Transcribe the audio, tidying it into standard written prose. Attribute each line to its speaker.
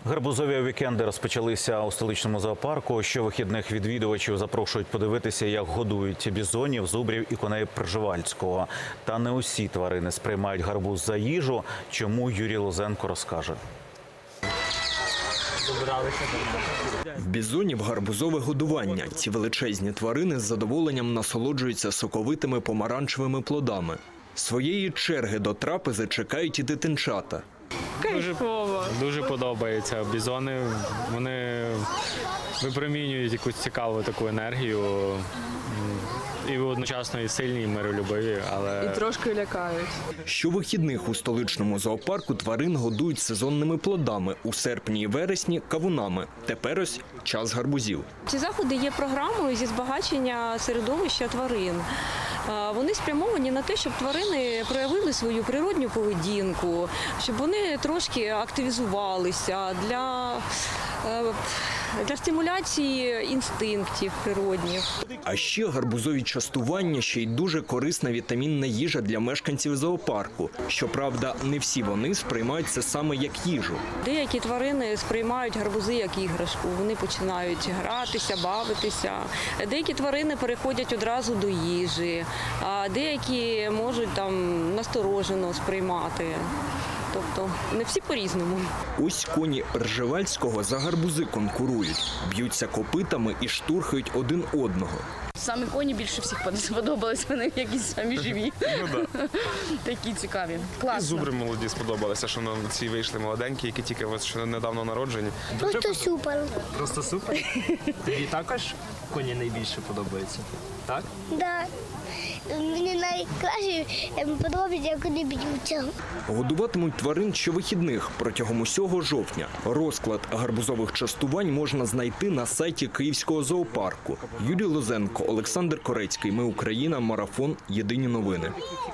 Speaker 1: Гарбузові вікенди розпочалися у столичному зоопарку. Щовихідних відвідувачів запрошують подивитися, як годують бізонів, зубрів і коней Пржевальського. Та не усі тварини сприймають гарбуз за їжу. Чому Юрій Лозенко розкаже.
Speaker 2: В бізонів гарбузове годування. Ці величезні тварини з задоволенням насолоджуються соковитими помаранчевими плодами. Своєї черги до трапези чекають і дитинчата.
Speaker 3: Дуже подобається. Бізони, вони випромінюють якусь цікаву таку енергію. І одночасно і сильні, і миролюбиві, але...
Speaker 4: І трошки лякають.
Speaker 2: Щовихідних у столичному зоопарку тварин годують сезонними плодами, у серпні і вересні – кавунами. Тепер ось час гарбузів.
Speaker 5: Ці заходи є програмою зі збагачення середовища тварин. Вони спрямовані на те, щоб тварини проявили свою природню поведінку, щоб вони трошки активізувалися для стимуляції інстинктів природних.
Speaker 2: А ще гарбузові частування – ще й дуже корисна вітамінна їжа для мешканців зоопарку. Щоправда, не всі вони сприймають це саме як їжу.
Speaker 5: Деякі тварини сприймають гарбузи як іграшку. Вони починають гратися, бавитися. Деякі тварини переходять одразу до їжі, а деякі можуть насторожено сприймати. Тобто не всі по-різному.
Speaker 2: Ось коні Пржевальського за гарбузи конкурують, б'ються копитами і штурхають один одного.
Speaker 6: Самі коні більше всіх сподобались, вони якісь самі живі. Такі цікаві. Класно.
Speaker 7: І зубри молоді сподобалися, що ці вийшли молоденькі, які тільки недавно народжені.
Speaker 8: Просто супер.
Speaker 9: Просто супер? Тобі також коні найбільше подобаються? Так?
Speaker 8: Так. Мені найкраще подобається, як вони б'ються.
Speaker 2: Годуватимуть тварин щовихідних протягом усього жовтня. Розклад гарбузових частувань можна знайти на сайті Київського зоопарку. Юрій Лозенко, Олександр Корецький. Ми Україна. Марафон. Єдині новини.